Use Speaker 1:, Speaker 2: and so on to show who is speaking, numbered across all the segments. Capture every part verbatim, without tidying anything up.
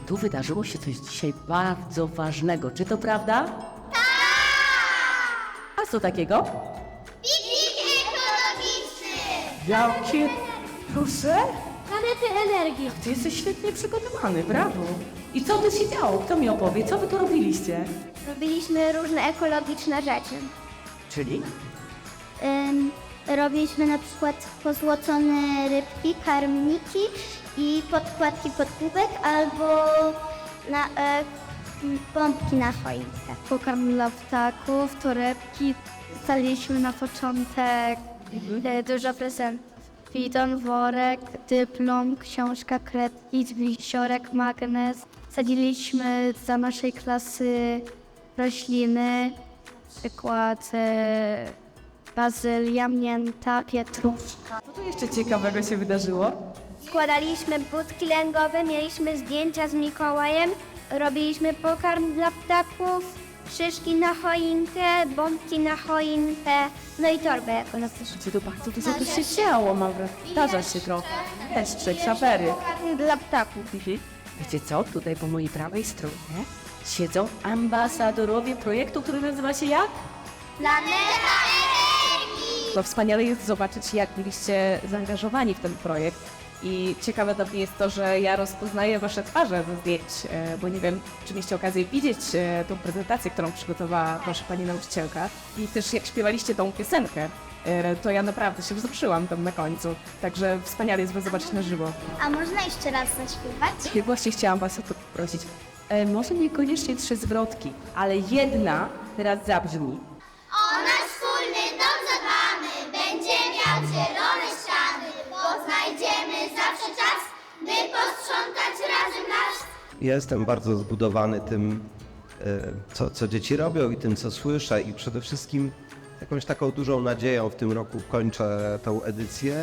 Speaker 1: tu wydarzyło się coś dzisiaj bardzo ważnego. Czy to prawda? Tak! A co takiego?
Speaker 2: Piknik ekologiczny!
Speaker 1: Jakie? Proszę?
Speaker 3: Planety energii.
Speaker 1: Ty jesteś świetnie przygotowany, brawo. I co tu się działo? Kto mi opowie? Co wy tu robiliście?
Speaker 2: Robiliśmy różne ekologiczne rzeczy.
Speaker 1: Czyli?
Speaker 2: Ym, robiliśmy na przykład pozłocone rybki, karmniki i podkładki pod kubek albo na, e, m, pompki na choinkę.
Speaker 3: Pokarm dla ptaków, torebki. Staliśmy na początek e, dużo prezentów. Bidon, worek, dyplom, książka, kredki, wisiorek, magnes. Sadziliśmy za naszej klasy rośliny, przykład e, bazylia, mięta, pietruszka.
Speaker 1: Co tu jeszcze ciekawego się wydarzyło?
Speaker 2: Składaliśmy budki lęgowe, mieliśmy zdjęcia z Mikołajem, robiliśmy pokarm dla ptaków, szyszki na choinkę, bombki na choinkę, no i torbę ekologiczną.
Speaker 1: Gdzie tu bardzo dużo tu się działo, mam wrażenie. Zdarza się trochę. Deszcze, ksawery.
Speaker 3: Dla ptaków.
Speaker 1: Wiecie co? Tutaj po mojej prawej stronie siedzą ambasadorowie projektu, który nazywa się jak?
Speaker 2: Planeta Energii!
Speaker 4: To wspaniale jest zobaczyć, jak byliście zaangażowani w ten projekt. I ciekawe dla mnie jest to, że ja rozpoznaję wasze twarze ze zdjęć, e, bo nie wiem, czy mieliście okazję widzieć e, tą prezentację, którą przygotowała wasza pani nauczycielka. I też jak śpiewaliście tą piosenkę, e, to ja naprawdę się wzruszyłam tam na końcu. Także wspaniale jest was zobaczyć na żywo.
Speaker 2: A można jeszcze raz zaśpiewać?
Speaker 4: I właśnie chciałam was o to poprosić.
Speaker 1: E, może niekoniecznie trzy zwrotki, ale jedna teraz zabrzmi.
Speaker 2: O nasz wspólny dom zadbamy, będzie miał zielone ściany, bo znajdziemy zawsze czas, by posprzątać razem nasz.
Speaker 5: Jestem bardzo zbudowany tym, e, co, co dzieci robią i tym, co słyszę i przede wszystkim jakąś taką dużą nadzieją w tym roku kończę tą edycję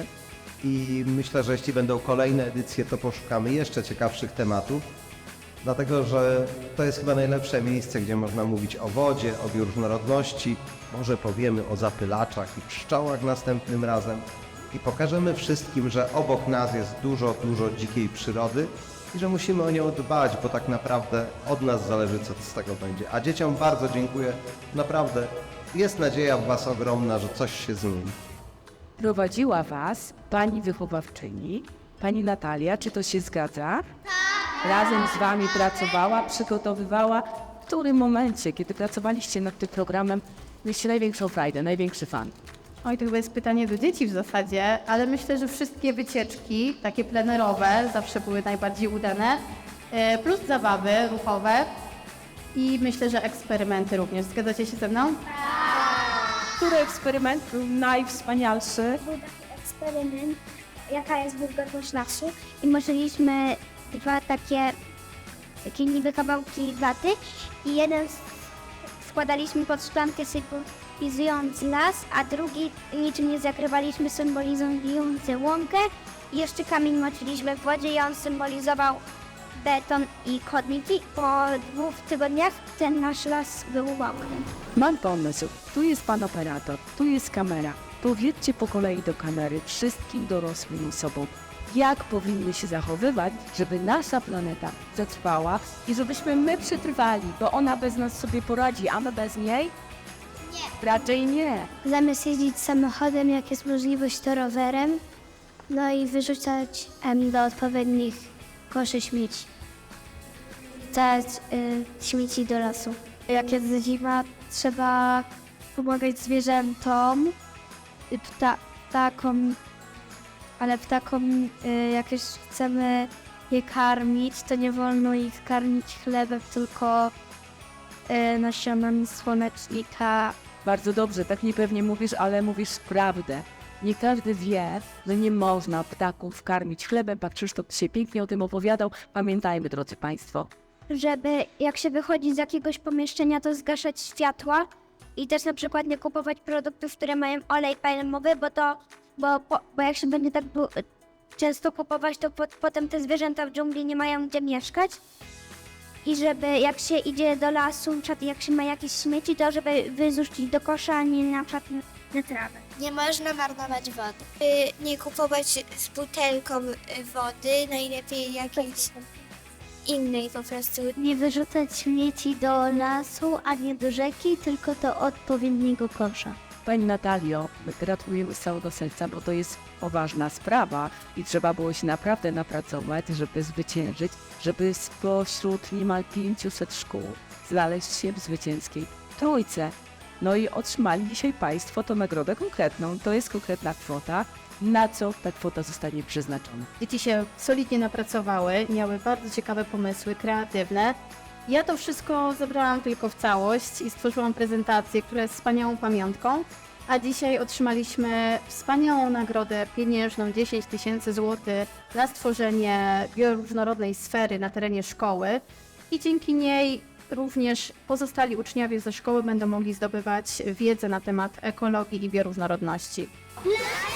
Speaker 5: i myślę, że jeśli będą kolejne edycje, to poszukamy jeszcze ciekawszych tematów, dlatego że to jest chyba najlepsze miejsce, gdzie można mówić o wodzie, o bioróżnorodności, może powiemy o zapylaczach i pszczołach następnym razem i pokażemy wszystkim, że obok nas jest dużo, dużo dzikiej przyrody i że musimy o nią dbać, bo tak naprawdę od nas zależy, co z tego będzie. A dzieciom bardzo dziękuję, naprawdę jest nadzieja w was ogromna, że coś się zmieni.
Speaker 1: Prowadziła was pani wychowawczyni, pani Natalia, czy to się zgadza? Tak. Razem z wami pracowała, przygotowywała. W którym momencie, kiedy pracowaliście nad tym programem, mieliście największą frajdę, największy fan?
Speaker 3: Oj, to chyba jest pytanie do dzieci w zasadzie, ale myślę, że wszystkie wycieczki, takie plenerowe, zawsze były najbardziej udane, e, plus zabawy ruchowe i myślę, że eksperymenty również. Zgadzacie się ze mną?
Speaker 4: Który eksperyment był najwspanialszy?
Speaker 2: Był taki eksperyment, jaka jest wilgotność lasu i możliśmy dwa takie, takie niby kawałki waty i jeden z- składaliśmy pod szklankę symbolizując las, a drugi niczym nie zakrywaliśmy symbolizujący łąkę i jeszcze kamień moczyliśmy w wodzie i on symbolizował beton i chodniki. Po dwóch tygodniach ten nasz las był mokry.
Speaker 1: Mam pomysł. Tu jest pan operator, tu jest kamera. Powiedzcie po kolei do kamery wszystkim dorosłym osobom, jak powinny się zachowywać, żeby nasza planeta zatrwała i żebyśmy my przetrwali, bo ona bez nas sobie poradzi, a my bez niej? Nie. Raczej nie.
Speaker 2: Zamiast jeździć samochodem, jak jest możliwość, to rowerem. No i wyrzucać em, do odpowiednich koszy śmieci. Dać y, śmieci do lasu.
Speaker 3: Jak jest zima, trzeba pomagać zwierzętom, y, pta, ptakom, ale ptakom, y, jak już chcemy je karmić, to nie wolno ich karmić chlebem, tylko y, nasionami słonecznika.
Speaker 1: Bardzo dobrze, tak niepewnie mówisz, ale mówisz prawdę. Nie każdy wie, że nie można ptaków karmić chlebem. Pan Krzysztof się pięknie o tym opowiadał. Pamiętajmy, drodzy Państwo.
Speaker 2: Żeby jak się wychodzi z jakiegoś pomieszczenia, to zgaszać światła i też na przykład nie kupować produktów, które mają olej palmowy, bo to, bo, bo, bo jak się będzie tak bu- często kupować, to po, potem te zwierzęta w dżungli nie mają gdzie mieszkać. I żeby jak się idzie do lasu, na przykład jak się ma jakieś śmieci, to żeby wyrzucić do kosza, a nie na przykład na trawę.
Speaker 6: Nie można marnować wody. Y, Nie kupować z butelką y, wody, najlepiej jakieś innej po prostu.
Speaker 2: Nie wyrzucać śmieci do lasu, a nie do rzeki, tylko do odpowiedniego kosza.
Speaker 1: Pani Natalio, my gratulujemy z całego serca, bo to jest poważna sprawa i trzeba było się naprawdę napracować, żeby zwyciężyć, żeby spośród niemal pięciuset szkół znaleźć się w zwycięskiej trójce. No i otrzymali dzisiaj Państwo tą nagrodę konkretną. To jest konkretna kwota. Na co ta kwota zostanie przeznaczona?
Speaker 7: Dzieci się solidnie napracowały, miały bardzo ciekawe pomysły, kreatywne. Ja to wszystko zebrałam tylko w całość i stworzyłam prezentację, która jest wspaniałą pamiątką. A dzisiaj otrzymaliśmy wspaniałą nagrodę pieniężną dziesięć tysięcy złotych na stworzenie bioróżnorodnej sfery na terenie szkoły. I dzięki niej również pozostali uczniowie ze szkoły będą mogli zdobywać wiedzę na temat ekologii i bioróżnorodności.